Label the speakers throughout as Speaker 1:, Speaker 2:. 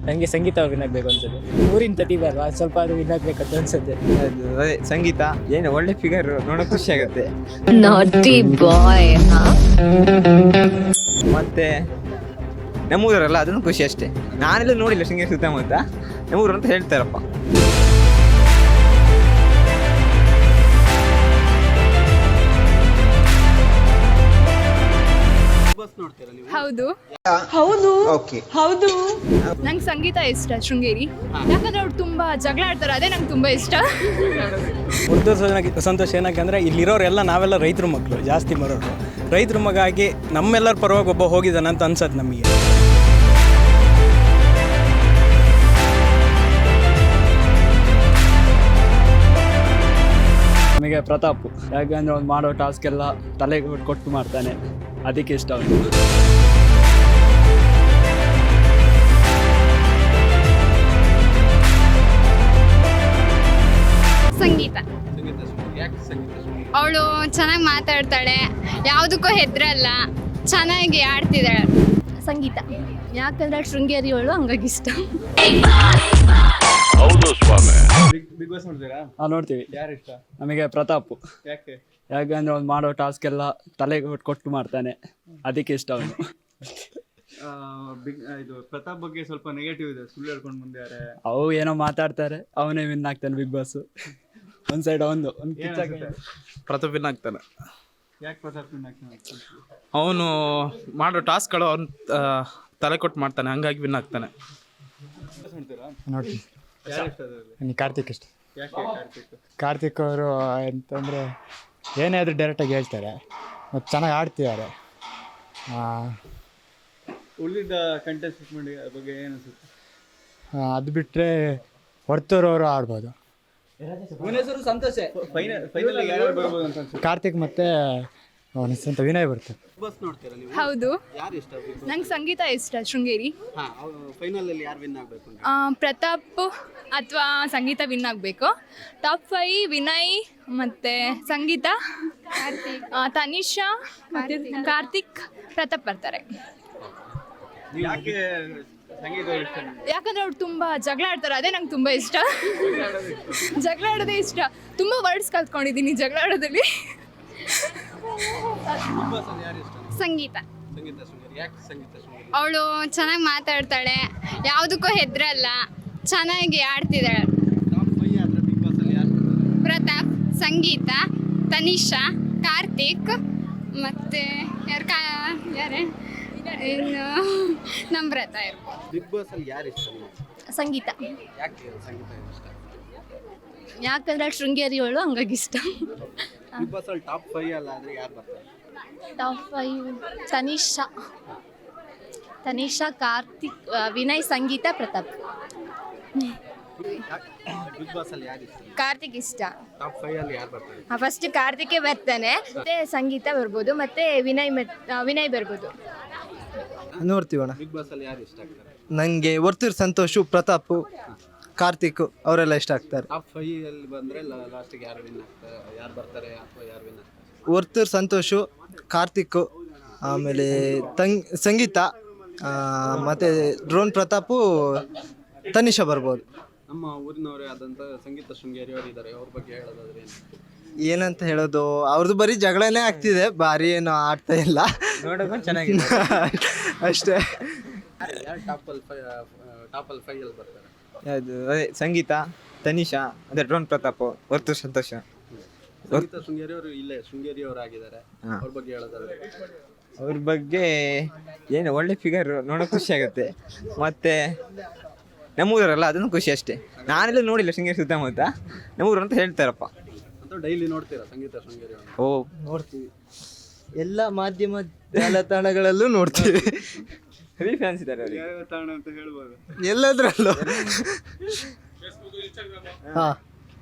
Speaker 1: ನನಗೆ ಸಂಗೀತ ಅವ್ರು ವಿನ್ ಆಗಬೇಕು ಅನ್ಸುತ್ತೆ. ಊರಿನ ಪ್ರತಿಭೆ ಅಲ್ವಾ, ಸ್ವಲ್ಪ ಅದು ವಿನ್ ಆಗಬೇಕಂತ ಅನ್ಸುತ್ತೆ.
Speaker 2: ಅದು ಅದೇ ಸಂಗೀತ ಏನು ಒಳ್ಳೆ ಫಿಗರ್ ನೋಡೋಕೆ ಖುಷಿ ಆಗುತ್ತೆ.
Speaker 3: Naughty boy, huh?
Speaker 2: ಮತ್ತೆ ನಮ್ಮೂರಲ್ಲ ಅದನ್ನು ಖುಷಿ ಅಷ್ಟೇ. ನಾನೆಲ್ಲ ನೋಡಿಲ್ಲ ಶೃಂಗೇರಿ ಸುತ್ತಮುತ್ತ, ನಮ್ಮೂರು ಅಂತ ಹೇಳ್ತಾರಪ್ಪ.
Speaker 4: ಹೌದು
Speaker 5: ಹೌದು
Speaker 2: ಓಕೆ
Speaker 5: ಹೌದು
Speaker 4: ನಂಗೆ ಸಂಗೀತ ಇಷ್ಟ ಶೃಂಗೇರಿ, ಯಾಕಂದ್ರೆ ಅವ್ರು ತುಂಬಾ ಜಗಳ ಆಡ್ತಾರೆ, ಅದೇ ನಂಗೆ ತುಂಬಾ ಇಷ್ಟ.
Speaker 1: ಸಂತೋಷ ಏನಕ್ಕಂದ್ರೆ ಇಲ್ಲಿರೋರೆಲ್ಲ ನಾವೆಲ್ಲ ರೈತರ ಮಕ್ಕಳು, ಜಾಸ್ತಿ ಬರೋರು ರೈತರ ಮಗ ಆಗಿ ನಮ್ಮೆಲ್ಲರ ಪರವಾಗಿ ಒಬ್ಬ ಹೋಗಿದ್ದಾನಂತ ಅನ್ಸತ್ತೆ ನಮಗೆ. ನಮಗೆ ಪ್ರತಾಪ್, ಯಾಕಂದ್ರೆ ಅವ್ನು ಮಾಡೋ ಟಾಸ್ಕ್ ಎಲ್ಲ ತಲೆಗೆ ಕೊಟ್ಟು ಮಾಡ್ತಾನೆ, ಅದಕ್ಕೆ ಇಷ್ಟ ಅವನು.
Speaker 4: ಸಂಗೀತ ಅವಳು ಚೆನ್ನಾಗಿ ಮಾತಾಡ್ತಾಳೆ, ಯಾವುದಕ್ಕೂ ಹೆದ್ರಲ್ಲ, ಚೆನ್ನಾಗಿ ಆಡ್ತಿದ್ದಾಳೆ. ಸಂಗೀತ ಯಾಕಂದ್ರೆ ಶೃಂಗೇರಿ ಅವಳು, ಹಂಗಾಗಿ ಇಷ್ಟ.
Speaker 6: ಬಿಗ್ ಬಾಸ್ ನೋಡ್ತೀರಾ?
Speaker 1: ನೋಡ್ತೀವಿ.
Speaker 6: ಯಾರು ಇಷ್ಟ?
Speaker 1: ನಮಗೆ ಪ್ರತಾಪ್,
Speaker 6: ಯಾಕೆ?
Speaker 1: ಯಾಕಂದ್ರೆ ಅವ್ನು ಮಾಡೋ ಟಾಸ್ಕ್ ಎಲ್ಲ ತಲೆಗೆ ಕೊಟ್ಟು ಮಾಡ್ತಾನೆ, ಅದಕ್ಕೆ ಇಷ್ಟ ಅವನು.
Speaker 6: ಇದು ಪ್ರತಾಪ್ ಬಗ್ಗೆ ಸ್ವಲ್ಪ ನೆಗೆಟಿವ್ ಇದೆ, ಸುಳ್ಳು ಹೇಳ್ಕೊಂಡು ಬಂದಿದ್ದಾರೆ.
Speaker 1: ಅವು ಏನೋ ಮಾತಾಡ್ತಾರೆ, ಅವನೇ ವಿನ್ ಆಗ್ತಾನೆ ಬಿಗ್ ಬಾಸ್. ಒಂದ್ ಸೈಡ್ ಒಂದು
Speaker 7: ಪ್ರತಾಪ್ ವಿನ್ ಆಗ್ತಾನೆ.
Speaker 6: ಯಾಕೆ ಪ್ರತಾಪ್ ವಿನ್ ಆಗ್ತಾನೆ?
Speaker 7: ಅವನು ಮಾಡೋ ಟಾಸ್ಕ್ಗಳು ಅವ್ನು ತಲೆ ಕೊಟ್ಟು ಮಾಡ್ತಾನೆ, ಹಂಗಾಗಿ ವಿನ್ ಆಗ್ತಾನೆ.
Speaker 6: ನೋಡ್ತೀರಾ?
Speaker 8: ನೋಡ್ತೀನಿ.
Speaker 6: ಯಾರು ಇಷ್ಟ ಅದರಲ್ಲಿ?
Speaker 8: ನನಗೆ ಕಾರ್ತಿಕ್ ಇಷ್ಟ.
Speaker 6: ಯಾಕೆ ಕಾರ್ತಿಕ್?
Speaker 8: ಕಾರ್ತಿಕ್ ಅವರು ಅಂತಂದರೆ ಏನೇ ಆದರೂ ಡೈರೆಕ್ಟಾಗಿ ಹೇಳ್ತಾರೆ ಮತ್ತು ಚೆನ್ನಾಗಿ ಆಡ್ತಿದ್ದಾರೆ.
Speaker 6: ಉಳಿದ ಕಂಟೆಸ್ಟೆಂಟ್ ಬಗ್ಗೆ ಏನು ಅನ್ಸುತ್ತೆ?
Speaker 8: ಅದು ಬಿಟ್ಟರೆ ಹೊರತೂರವರು ಆಡ್ಬೋದು.
Speaker 6: ಫೈನಲ್ ಯಾರು ಬರ್ಬೋದು ಅಂತ ಅನ್ಸುತ್ತೆ?
Speaker 8: ಕಾರ್ತಿಕ್ ಮತ್ತು ಅವನ ಹೆಸರು ವಿನಯ್ ಬರ್ತಾರೆ.
Speaker 6: ಬಿಗ್ ಬಾಸ್ ನೋಡ್ತೀರಾ ನೀವು?
Speaker 4: ಹೌದು,
Speaker 6: ಯಾರು ಇಷ್ಟ?
Speaker 4: ನಂಗೆ ಸಂಗೀತ ಇಷ್ಟ ಶೃಂಗೇರಿ.
Speaker 6: ಫೈನಲ್ ಅಲ್ಲಿ ಯಾರು ವಿನ್ ಆಗ್ಬೇಕು?
Speaker 4: ಪ್ರತಾಪ್ ಅಥವಾ ಸಂಗೀತ ವಿನ್ ಆಗಬೇಕು. ಟಾಪ್ 5 ವಿನಯ್ ಮತ್ತು ಸಂಗೀತ, ತನಿಷಾ, ಕಾರ್ತಿಕ್, ಪ್ರತಾಪ್ ಬರ್ತಾರೆ.
Speaker 6: ಯಾಕೆ ಸಂಗೀತ ಇಷ್ಟ?
Speaker 4: ಯಾಕಂದ್ರೆ ಅವ್ರು ತುಂಬಾ ಜಗಳ ಆಡ್ತಾರೆ, ಅದೇ ನಂಗೆ ತುಂಬಾ ಇಷ್ಟ. ಜಗಳ ಆಡೋದೇ ಇಷ್ಟ, ತುಂಬಾ ವರ್ಡ್ಸ್ ಕಲ್ತ್ಕೊಂಡಿದ್ದೀನಿ ಜಗಳ ಆಡೋದ್ರಲ್ಲಿ. ಸಂಗೀತ ಅವಳು ಚೆನ್ನಾಗಿ ಮಾತಾಡ್ತಾಳೆ, ಯಾವುದಕ್ಕೂ ಹೆದ್ರಲ್ಲ, ಚೆನ್ನಾಗಿ ಆಡ್ತಿದ್ದಾಳೆ. ಪ್ರತಾಪ್, ಸಂಗೀತ, ತನಿಷಾ, ಕಾರ್ತಿಕ್ ಮತ್ತು ಯಾರೇ ಇನ್ನು ನಮ್ರತ ಇರ್ಬೋದು.
Speaker 6: ಬಿಗ್ ಬಾಸ್ ಅಲ್ಲಿ ಯಾರು ಇಷ್ಟ?
Speaker 4: ಸಂಗೀತ
Speaker 6: ಯಾಕೆ ಸಂಗೀತ ಇಷ್ಟ?
Speaker 4: ಯಾಕಂದ್ರೆ ಶೃಂಗೇರಿ ಅವಳು, ಹಂಗಾಗಿ ಇಷ್ಟ.
Speaker 6: ಬಿಗ್ ಬಾಸ್ ಅಲ್ಲಿ ಟಾಪ್ 5 ಅಲ್ಲ ಅಂದ್ರೆ ಯಾರು ಬರ್ತಾರೆ?
Speaker 4: Top 5 Tanisha, Karthik, Vinay, Sangeetha, Pratap.
Speaker 6: Bigg Boss ಅಲ್ಲಿ ಯಾರು ಇಷ್ಟ?
Speaker 4: ಕಾರ್ತಿಕ್ ಇಷ್ಟ.
Speaker 6: ಟಾಪ್ 5 ಅಲ್ಲಿ ಯಾರು ಬರ್ತಾರೆ?
Speaker 4: ಫಸ್ಟ್ ಕಾರ್ತಿಕೇ ಬರ್ತಾನೆ, ಮತ್ತೆ ಸಂಗೀತ ಬರ್ಬೋದು, ಮತ್ತೆ ವಿನಯ್ ಬರ್ಬೋದು.
Speaker 9: ನೋಡ್ತೀವಣ್ಣ.
Speaker 6: ಬಿಗ್ ಬಾಸ್ ಅಲ್ಲಿ ಯಾರು ಇಷ್ಟ ಆಗ್ತಾರೆ?
Speaker 9: ನನಗೆ ವರ್ತೂರ್ ಸಂತೋಷು, ಪ್ರತಾಪ್, ಕಾರ್ತಿಕ್ ಅವರೆಲ್ಲ ಇಷ್ಟ ಆಗ್ತಾರೆ.
Speaker 6: ಟಾಪ್ 5 ಅಲ್ಲಿ ಬಂದ್ರೆ ಲಾಸ್ಟಿಗೆ ಯಾರು ವಿನ್ ಆಗ್ತಾರೆ, ಯಾರು ಬರ್ತಾರೆ ಅಥವಾ ಯಾರು ವಿನ್ ಆಗ್ತಾರೆ?
Speaker 9: ವರ್ತೂರ್ ಸಂತೋಷು, ಕಾರ್ತಿಕ್, ಆಮೇಲೆ ಸಂಗೀತ, ಮತ್ತು ಡ್ರೋನ್ ಪ್ರತಾಪು, ತನಿಷಾ ಬರ್ಬೋದು.
Speaker 6: ನಮ್ಮ ಊರಿನವರೇ ಆದಂಥ ಸಂಗೀತ ಶೃಂಗೇರಿ ಅವರು ಇದ್ದಾರೆ, ಅವ್ರ ಬಗ್ಗೆ ಹೇಳೋದಾದ್ರೆ ಏನು?
Speaker 9: ಏನಂತ ಹೇಳೋದು, ಅವ್ರದ್ದು ಬರೀ ಜಗಳನೇ ಆಗ್ತಿದೆ, ಭಾರಿ ಏನು ಆಡ್ತಾ ಇಲ್ಲ,
Speaker 2: ನೋಡೋಕೆ ಚೆನ್ನಾಗಿದೆ
Speaker 9: ಅಷ್ಟೇ.
Speaker 6: ಯಾರು ಟಾಪ್ ಅಲ್ಲಿ 5 ಅಲ್ಲಿ ಬರ್ತಾರೆ?
Speaker 2: ಅದು ಅದೇ ಸಂಗೀತ, ತನಿಷಾ, ಅದೇ ಡ್ರೋನ್ ಪ್ರತಾಪ್, ಹೊರ್ತು ಸಂತೋಷ.
Speaker 6: ಸಂಗೀತ ಶೃಂಗೇರಿ ಅವರು ಇಲ್ಲೇ ಶೃಂಗೇರಿ ಅವರು ಆಗಿದ್ದಾರೆ, ಅವ್ರ ಬಗ್ಗೆ ಹೇಳೋದಾದ್ರೆ?
Speaker 2: ಅವ್ರ ಬಗ್ಗೆ ಏನು ಒಳ್ಳೆ ಫಿಗರ್ ನೋಡೋಕೆ ಖುಷಿ ಆಗುತ್ತೆ. ಮತ್ತು ನಮ್ಮೂರಲ್ಲ ಅದನ್ನು ಖುಷಿ ಅಷ್ಟೇ. ನಾನೆಲ್ಲ ನೋಡಿಲ್ಲ ಶೃಂಗೇರಿ ಸುತ್ತಮುತ್ತ, ನಮ್ಮೂರು ಅಂತ ಹೇಳ್ತಾರಪ್ಪ.
Speaker 6: ಅಂತ ಡೈಲಿ ನೋಡ್ತೀರಾ ಸಂಗೀತ ಶೃಂಗೇರಿ ಅವರು?
Speaker 2: ಓ,
Speaker 9: ನೋಡ್ತೀವಿ, ಎಲ್ಲ ಮಾಧ್ಯಮ ಜಾಲತಾಣಗಳಲ್ಲೂ ನೋಡ್ತೀವಿ.
Speaker 2: ಹೆವಿ ಫ್ಯಾನ್ಸ್ ಇದ್ದಾರೆ ಅವರಿಗೆ.
Speaker 6: ಯಾವ ತಾಣ ಅಂತ ಹೇಳ್ಬೋದು?
Speaker 9: ಎಲ್ಲದರಲ್ಲೂ. ಹಾಂ,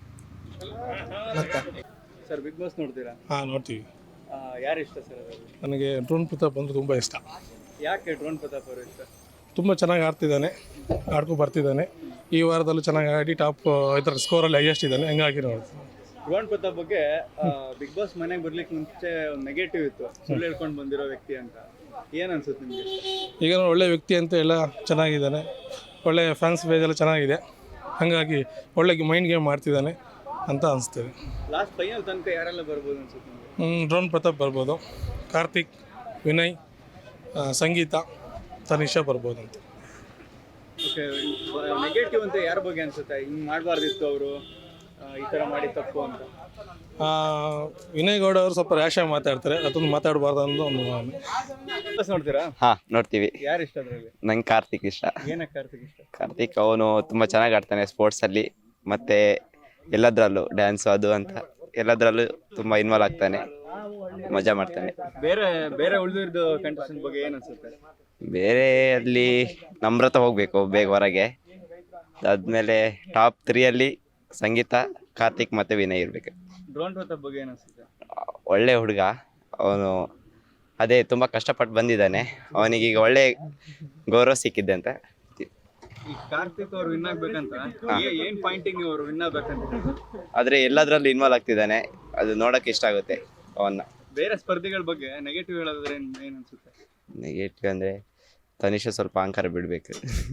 Speaker 6: ಸರ್ ಬಿಗ್ ಬಾಸ್ ನೋಡ್ತೀರಾ?
Speaker 10: ನೋಡ್ತೀವಿ.
Speaker 6: ಯಾರು ಇಷ್ಟ ಸರ್ ಅದರಲ್ಲಿ?
Speaker 10: ನನಗೆ ಡ್ರೋನ್ ಪ್ರತಾಪ್ ಅಂದರೆ ತುಂಬ ಇಷ್ಟ.
Speaker 6: ಯಾಕೆ ಡ್ರೋನ್ ಪ್ರತಾಪ್ ಅವರು ಇಷ್ಟ?
Speaker 10: ತುಂಬ ಚೆನ್ನಾಗಿ ಆಡ್ತಿದ್ದಾನೆ, ಆಡ್ಕೊಂಡು ಬರ್ತಿದ್ದಾನೆ. ಈ ವಾರದಲ್ಲೂ ಚೆನ್ನಾಗಿ ಆಡಿ ಟಾಪ್ ಇದರ ಸ್ಕೋರಲ್ಲಿ ಹೈಯೆಸ್ಟ್ ಇದ್ದಾನೆ, ಹಂಗಾಗಿ ನೋಡ್ತೀನಿ.
Speaker 6: ಡ್ರೋನ್ ಪ್ರತಾಪ್ ಬಗ್ಗೆ ಬಿಗ್ ಬಾಸ್ ಮನೆಗೆ ಬರ್ಲಿಕ್ಕೆ ಮುಂಚೆ ಒಂದು ನೆಗೆಟಿವ್ ಇತ್ತು, ಸುಳ್ಳು ಹೇಳ್ಕೊಂಡು ಬಂದಿರೋ ವ್ಯಕ್ತಿ ಅಂತ. ಏನು ಅನ್ಸುತ್ತೆ ನಿಮಗೆ?
Speaker 10: ಈಗ ಒಳ್ಳೆ ವ್ಯಕ್ತಿ ಅಂತ ಎಲ್ಲ ಚೆನ್ನಾಗಿದ್ದಾನೆ, ಒಳ್ಳೆ ಫ್ಯಾನ್ಸ್ ಬೇಜ್ ಎಲ್ಲ ಚೆನ್ನಾಗಿದೆ, ಹಾಗಾಗಿ ಒಳ್ಳೆ ಮೈಂಡ್ ಗೇಮ್ ಮಾಡ್ತಿದ್ದಾನೆ ಅಂತ ಅನಿಸ್ತದೆ.
Speaker 6: ಲಾಸ್ಟ್ ಫೈನಲ್ ತನಕ ಯಾರೆಲ್ಲ ಬರ್ಬೋದು ಅನ್ಸುತ್ತೆ ನಿಮಗೆ?
Speaker 10: ಡ್ರೋನ್ ಪ್ರತಾಪ್ ಬರ್ಬೋದು, ಕಾರ್ತಿಕ್, ವಿನಯ್, ಸಂಗೀತ, ತನಿಷಾ ಬರ್ಬೋದು ಅಂತ.
Speaker 6: ಓಕೆ, ನೆಗೆಟಿವ್ ಅಂತ ಯಾರ ಬಗ್ಗೆ ಅನ್ಸುತ್ತೆ? ಹಿಂಗೆ ಮಾಡಬಾರ್ದಿತ್ತು ಅವರು, ಈ ಥರ ಮಾಡಿ ತಪ್ಪು ಅಂತ.
Speaker 10: ವಿನಯ್ ಗೌಡ ಅವರು ಸ್ವಲ್ಪ ರ್ಯಾಶ್ ಆಗಿ ಮಾತಾಡ್ತಾರೆ, ಅದೊಂದು ಮಾತಾಡಬಾರ್ದು ಅನ್ನೋ ಒಂದು
Speaker 6: ನೋಡ್ತೀರಾ?
Speaker 5: ಹಾ ನೋಡ್ತೀವಿ.
Speaker 6: ಯಾರು ಇಷ್ಟ ಅದರಲ್ಲಿ?
Speaker 5: ನಂಗೆ ಕಾರ್ತಿಕ್ ಇಷ್ಟ.
Speaker 6: ಏನಕ್ಕೆ ಕಾರ್ತಿಕ್ ಇಷ್ಟ?
Speaker 5: ಕಾರ್ತಿಕ್ ಅವನು ತುಂಬ ಚೆನ್ನಾಗಿ ಆಡ್ತಾನೆ ಸ್ಪೋರ್ಟ್ಸಲ್ಲಿ, ಮತ್ತು ಎಲ್ಲದರಲ್ಲೂ ಡ್ಯಾನ್ಸು ಅದು ಅಂತ ಎಲ್ಲದರಲ್ಲೂ ತುಂಬ ಇನ್ವಾಲ್ವ್ ಆಗ್ತಾನೆ, ಮಜಾ ಮಾಡ್ತಾನೆ.
Speaker 6: ಬೇರೆ ಉಳಿದಿದ್ದು ಕಂಟೆಸ್ಟೆಂಟ್ ಬಗ್ಗೆ ಏನು ಅನ್ಸುತ್ತೆ?
Speaker 5: ಬೇರೆ ಅಲ್ಲಿ ನಮ್ರತ ಹೋಗಬೇಕು ಬೇಗ ಹೊರಗೆ. ಅದಾದಮೇಲೆ ಟಾಪ್ 3 ಸಂಗೀತ, ಕಾರ್ತಿಕ್ ಮತ್ತು ವಿನಯ್ ಇರಬೇಕು.
Speaker 6: ಡ್ರೋನ್ ಪ್ರತಾಪ್ ಬಗ್ಗೆ ಏನು ಅನ್ಸುತ್ತೆ?
Speaker 5: ಒಳ್ಳೆ ಹುಡುಗ ಅವನು, ಅದೇ ತುಂಬ ಕಷ್ಟಪಟ್ಟು ಬಂದಿದ್ದಾನೆ, ಅವನಿಗೀಗ ಒಳ್ಳೆ ಗೌರವ ಸಿಕ್ಕಿದೆ ಅಂತ.
Speaker 6: ಈ ಕಾರ್ತಿಕ್ ಅವ್ರು ವಿನ್ ಆಗ್ಬೇಕಂತ ಏನ್ ಪಾಯಿಂಟಿಂಗ್ ಅವ್ರು ವಿನ್ ಆಗ್ಬೇಕಂತ?
Speaker 5: ಆದರೆ ಎಲ್ಲದರಲ್ಲೂ ಇನ್ವಾಲ್ವ್ ಆಗ್ತಿದ್ದಾನೆ, ಅದು ನೋಡೋಕೆ ಇಷ್ಟ ಆಗುತ್ತೆ ಅವನ್ನ.
Speaker 6: ಬೇರೆ ಸ್ಪರ್ಧಿಗಳ ಬಗ್ಗೆ ನೆಗೆಟಿವ್ ಹೇಳೋದಾದ್ರೆ ಏನ್ ಅನ್ಸುತ್ತೆ?
Speaker 5: ನೆಗೆಟಿವ್ ಅಂದರೆ ತನಿಷಾ ಸ್ವಲ್ಪ ಅಹಂಕಾರ ಬಿಡಬೇಕು.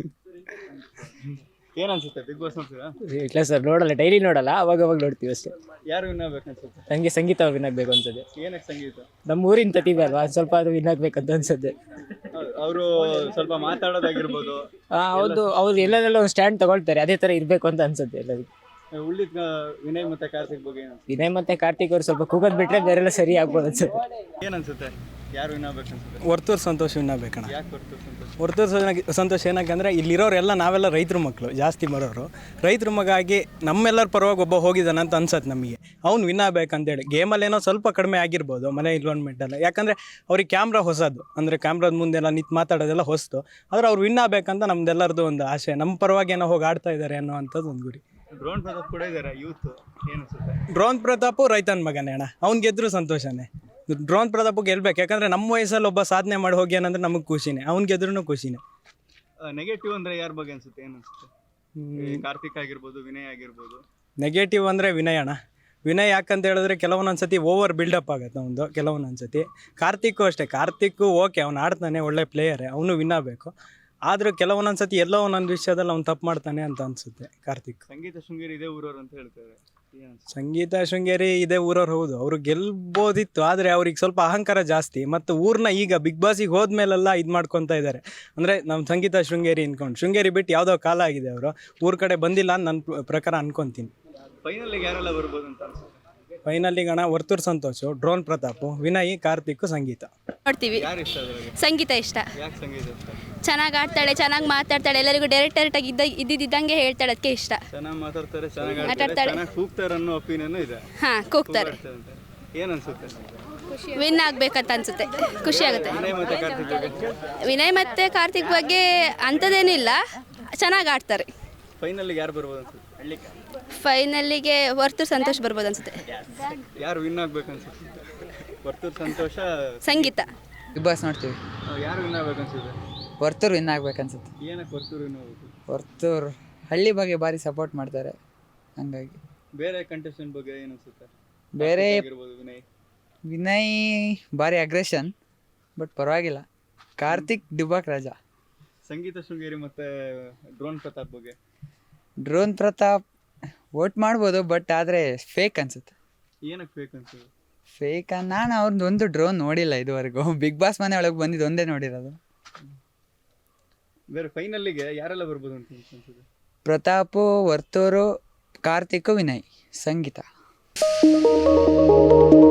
Speaker 6: ಏನ್ ಅನ್ಸುತ್ತೆ? ಬಿಗ್ ಬಾಸ್ ನೋಡ್ತೀರಾ?
Speaker 1: ಇಲ್ಲ ಸರ್, ನೋಡಲ್ಲ, ಡೈಲಿ ನೋಡಲ್ಲ, ಅವಾಗ ನೋಡ್ತೀವಿ ಅಷ್ಟೇ.
Speaker 6: ಯಾರು ವಿನ್ ಆಗ್ಬೇಕು ಅನ್ಸುತ್ತೆ?
Speaker 1: ನನಗೆ ಸಂಗೀತ ಅವ್ರು ವಿನ್ ಆಗಬೇಕು ಅನ್ಸುತ್ತೆ.
Speaker 6: ಏನಕ್ಕೆ ಸಂಗೀತ?
Speaker 1: ನಮ್ಮ ಊರಿನ ಪ್ರತಿಭೆ ಅಲ್ವಾ, ಸ್ವಲ್ಪ ಅದು ವಿನ್ ಆಗ್ಬೇಕಂತ ಅನ್ಸುತ್ತೆ.
Speaker 6: ಅವರು ಸ್ವಲ್ಪ ಮಾತಾಡೋದಾಗಿರ್ಬೋದು.
Speaker 1: ಹೌದು, ಅವ್ರು ಎಲ್ಲದೆಲ್ಲ ಒಂದು ಸ್ಟ್ಯಾಂಡ್ ತಗೊಳ್ತಾರೆ, ಅದೇ ಥರ ಇರಬೇಕು ಅಂತ ಅನ್ಸುತ್ತೆ ಎಲ್ಲರಿಗೂ.
Speaker 6: ಉಳಿದ ವಿನಯ್ ಮತ್ತೆ ಕಾರ್ತಿಕ್ ಬಗ್ಗೆ ಏನು?
Speaker 1: ವಿನಯ್ ಮತ್ತೆ ಕಾರ್ತಿಕ್ ಅವ್ರು ಸ್ವಲ್ಪ ಕೂಗೋದು ಬಿಟ್ರೆ ಬೇರೆಲ್ಲ ಸರಿ ಆಗ್ಬೋದು ಅನ್ಸುತ್ತೆ.
Speaker 6: ಏನ್ ಅನ್ಸುತ್ತೆ? ಯಾರು ವಿನ್ ಆಗ್ಬೇಕು ಅನ್ಸುತ್ತೆ?
Speaker 1: ವರ್ತೂರ್ ಸಂತೋಷ್ ವಿನ್ ಆಗ್ಬೇಕಣ್ಣ.
Speaker 6: ಯಾಕೆ ಬರ್ತು ಸಂತೋಷ್?
Speaker 1: ವರ್ತೂರ್ ಸಂತೋಷ್ ಏನಾಗಂದ್ರೆ ಇಲ್ಲಿರೋರೆಲ್ಲ ನಾವೆಲ್ಲ ರೈತರ ಮಕ್ಕಳು, ಜಾಸ್ತಿ ಬರೋರು ರೈತರ ಮಗ ಆಗಿ ನಮ್ಮೆಲ್ಲರ ಪರವಾಗಿ ಒಬ್ಬ ಹೋಗಿದ್ದಾನೆ ಅಂತ ಅನ್ಸತ್ತೆ ನಮಗೆ. ಅವ್ನು ವಿನ್ ಆಗ್ಬೇಕಂತೇಳಿ. ಗೇಮಲ್ಲಿ ಏನೋ ಸ್ವಲ್ಪ ಕಡಿಮೆ ಆಗಿರ್ಬೋದು ಮನೆ ಇನ್ವಾಲ್ವ್ಮೆಂಟೆಲ್ಲ, ಯಾಕಂದರೆ ಅವ್ರಿಗೆ ಕ್ಯಾಮ್ರಾ ಹೊಸದು, ಅಂದರೆ ಕ್ಯಾಮ್ರಾದ ಮುಂದೆಲ್ಲ ನಿಂತು ಮಾತಾಡೋದೆಲ್ಲ ಹೊಸ್ತು. ಆದರೆ ಅವ್ರು ವಿನ್ ಆಗ್ಬೇಕಂತ ನಮ್ದೆಲ್ಲರದು ಒಂದು ಆಸೆ, ನಮ್ಮ ಪರವಾಗಿ ಏನೋ ಹೋಗಿ ಆಡ್ತಾ ಇದ್ದಾರೆ ಅನ್ನೋ ಅಂಥದ್ದು ಒಂದು ಗುರಿ.
Speaker 6: ಡ್ರೋನ್ ಪ್ರತಾಪ್ ಕೂಡ ಇದ್ದಾರೆ ಯೂತ್, ಏನು ಅನ್ಸುತ್ತೆ?
Speaker 1: ಡ್ರೋನ್ ಪ್ರತಾಪು ರೈತನ ಮಗನೇ ಅಣ್ಣ, ಅವ್ನು ಗೆದ್ದರೂ ಸಂತೋಷನೇ. ಡ್ರೋನ್ ಪ್ರತಾಪ್ ಗೆಲ್ಬೇಕು, ಯಾಕಂದರೆ ನಮ್ಮ ವಯಸ್ಸಲ್ಲಿ ಒಬ್ಬ ಸಾಧನೆ ಮಾಡಿ ಹೋಗಿ ಏನಂದ್ರೆ ನಮಗೆ ಖುಷಿನೇ, ಅವ್ನು ಗೆದ್ರೂ ಖುಷಿನೇ.
Speaker 6: ನೆಗೆಟಿವ್ ಅಂದ್ರೆ ಯಾರ ಬಗ್ಗೆ ಅನ್ಸುತ್ತೆ? ಏನು ಅನ್ಸುತ್ತೆ? ಕಾರ್ತಿಕ್ ಆಗಿರ್ಬೋದು, ವಿನಯ್ ಆಗಿರ್ಬೋದು.
Speaker 1: ನೆಗೆಟಿವ್ ಅಂದರೆ ವಿನಯ್ ಅಣ್ಣ. ವಿನಯ್ ಯಾಕಂತ ಹೇಳಿದ್ರೆ ಕೆಲವೊಂದೊಂದು ಸತಿ ಓವರ್ ಬಿಲ್ಡಪ್ ಆಗುತ್ತೆ ಅವನು, ಕೆಲವೊಂದೊಂದು ಸತಿ. ಕಾರ್ತಿಕ್ಕು ಅಷ್ಟೇ, ಕಾರ್ತಿಕ್ಕು ಓಕೆ ಅವ್ನು ಆಡ್ತಾನೆ, ಒಳ್ಳೆ ಪ್ಲೇಯರೇ, ಅವನು ವಿನ್ ಆಗಬೇಕು. ಆದರೂ ಕೆಲವೊಂದೊಂದು ಸತಿ ಎಲ್ಲೋ ಒಂದೊಂದು ವಿಷಯದಲ್ಲಿ ಅವ್ನು ತಪ್ಪು ಮಾಡ್ತಾನೆ ಅಂತ ಅನಿಸುತ್ತೆ ಕಾರ್ತಿಕ್.
Speaker 6: ಸಂಗೀತ ಶೃಂಗೇರಿ ಇದೇ ಊರವ್ರು ಅಂತ ಹೇಳ್ತಾರೆ.
Speaker 1: ಸಂಗೀತ ಶೃಂಗೇರಿ ಇದೇ ಊರವ್ರು, ಹೌದು, ಅವರು ಗೆಲ್ಬೋದಿತ್ತು. ಆದರೆ ಅವ್ರಿಗೆ ಸ್ವಲ್ಪ ಅಹಂಕಾರ ಜಾಸ್ತಿ, ಮತ್ತು ಊರನ್ನ ಈಗ ಬಿಗ್ ಬಾಸಿಗೆ ಹೋದ್ಮೇಲೆಲ್ಲ ಇದು ಮಾಡ್ಕೊತಾ ಇದ್ದಾರೆ. ಅಂದರೆ ನಮ್ಮ ಸಂಗೀತ ಶೃಂಗೇರಿ ಅನ್ಕೊಂಡು, ಶೃಂಗೇರಿ ಬಿಟ್ಟು ಯಾವುದೋ ಕಾಲ ಆಗಿದೆ, ಅವರು ಊರ ಕಡೆ ಬಂದಿಲ್ಲ ಅಂತ ನನ್ನ ಪ್ರಕಾರ ಅನ್ಕೊತೀನಿ.
Speaker 6: ಫೈನಲ್ಗೆ ಯಾರೆಲ್ಲ ಬರ್ಬೋದು ಅಂತ ಅನ್ಸುತ್ತೆ?
Speaker 1: ಫೈನಲ್ಲಿಗೆ ಅಣ್ಣ ವರ್ತೂರ್ ಸಂತೋಷು, ಡ್ರೋನ್ ಪ್ರತಾಪು, ವಿನಯ್, ಕಾರ್ತಿಕ್, ಸಂಗೀತ.
Speaker 4: ನೋಡ್ತೀವಿ.
Speaker 6: ಯಾರು ಇಷ್ಟ ಅದ್ರಲ್ಲಿ?
Speaker 4: ಸಂಗೀತ ಇಷ್ಟ.
Speaker 6: ಯಾಕೆ ಸಂಗೀತ ಇಷ್ಟ?
Speaker 4: ಚೆನ್ನಾಗಿ ಆಡ್ತಾಳೆ, ಚೆನ್ನಾಗಿ ಮಾತಾಡ್ತಾಳೆ, ಎಲ್ಲರಿಗೂ ಡೈರೆಕ್ಟಾಗಿ ಇದ್ದಿದ್ದಂಗೆ ಹೇಳ್ತಾಳೆ, ಅದಕ್ಕೆ ಇಷ್ಟ.
Speaker 6: ಚೆನ್ನಾಗಿ ಮಾತಾಡ್ತಾರೆ, ಚೆನ್ನಾಗಿ ಆಡ್ತಾರೆ, ಚೆನ್ನಾಗಿ ಕೂಗ್ತಾರೆ ಅನ್ನೋ ಒಪಿನಿಯನ್ ಇದೆ.
Speaker 4: ಹಾಂ, ಕೂಗ್ತಾರೆ.
Speaker 6: ಏನು ಅನ್ಸುತ್ತೆ?
Speaker 4: ವಿನ್ ಆಗ್ಬೇಕಂತ ಅನ್ಸುತ್ತೆ, ಖುಷಿ ಆಗುತ್ತೆ.
Speaker 6: ವಿನಯ್ ಮತ್ತೆ ಕಾರ್ತಿಕ್ ಬಗ್ಗೆ?
Speaker 4: ವಿನಯ್ ಮತ್ತೆ ಕಾರ್ತಿಕ್ ಬಗ್ಗೆ ಅಂಥದ್ದೇನಿಲ್ಲ, ಚೆನ್ನಾಗಿ ಆಡ್ತಾರೆ.
Speaker 6: ಫೈನಲ್ಗೆ ಯಾರು ಬರ್ಬೋದು ಅನ್ಸುತ್ತೆ?
Speaker 4: ಫೈನಲ್ಲಿಗೆ ವರ್ತೂರ್ ಸಂತೋಷ್ ಬರ್ಬೋದು ಅನ್ಸುತ್ತೆ.
Speaker 6: ಯಾರು ವಿನ್ ಆಗ್ಬೇಕು ಅನ್ಸುತ್ತೆ? ವರ್ತೂರ್ ಸಂತೋಷ,
Speaker 4: ಸಂಗೀತ.
Speaker 11: ಬಿಗ್ ಬಾಸ್ ನೋಡ್ತೀವಿ.
Speaker 6: ಯಾರು ವಿನ್ ಆಗ್ಬೇಕು ಅನ್ಸುತ್ತೆ?
Speaker 11: ವರ್ತೂರ್ ವಿನ್ ಆಗ್ಬೇಕನ್ಸುತ್ತೆ.
Speaker 6: ಏನಕ್ಕೆ ವರ್ತೂರ್ ವಿನ್ ಆಗ್ಬೇಕು?
Speaker 11: ವರ್ತೂರ್ ಹಳ್ಳಿ ಬಗ್ಗೆ ಭಾರಿ ಸಪೋರ್ಟ್ ಮಾಡ್ತಾರೆ, ಹಂಗಾಗಿ.
Speaker 6: ಬೇರೆ ಕಂಟೆಸ್ಟೆಂಟ್ ಬಗ್ಗೆ ಏನು ಅನ್ಸುತ್ತೆ?
Speaker 11: ಬೇರೆ
Speaker 6: ವಿನಯ್
Speaker 11: ವಿನಯ್ ಭಾರಿ ಅಗ್ರೆಷನ್, ಬಟ್ ಪರವಾಗಿಲ್ಲ. ಕಾರ್ತಿಕ್ ಡಿಬಾಕ್ ರಾಜ.
Speaker 6: ಸಂಗೀತ ಶೃಂಗೇರಿ ಮತ್ತೆ ಡ್ರೋನ್ ಪ್ರತಾಪ್ ಬಗ್ಗೆ?
Speaker 11: ಡ್ರೋನ್ ಪ್ರತಾಪ್ ವೋಟ್ ಮಾಡ್ಬೋದು, ಬಟ್ ಆದರೆ ಫೇಕ್ ಅನ್ಸುತ್ತೆ.
Speaker 6: ಏನಕ್ಕೆ ಫೇಕ್ ಅನ್ಸುತ್ತೆ?
Speaker 11: ಫೇಕ್ ನಾನು ಅವ್ರದ್ದು ಒಂದು ಡ್ರೋನ್ ನೋಡಿಲ್ಲ ಇದುವರೆಗೂ. ಬಿಗ್ ಬಾಸ್ ಮನೆ ಒಳಗೆ ಬಂದಿದ್ದು ಒಂದೇ ನೋಡಿರೋದು.
Speaker 6: ಬೇರೆ ಫೈನಲ್ಲಿಗೆ ಯಾರೆಲ್ಲ ಬರ್ಬೋದು ಅಂತ ಅನ್ಸುತ್ತೆ?
Speaker 11: ಪ್ರತಾಪು, ವರ್ತೂರು, ಕಾರ್ತಿಕ್, ವಿನಯ್, ಸಂಗೀತ.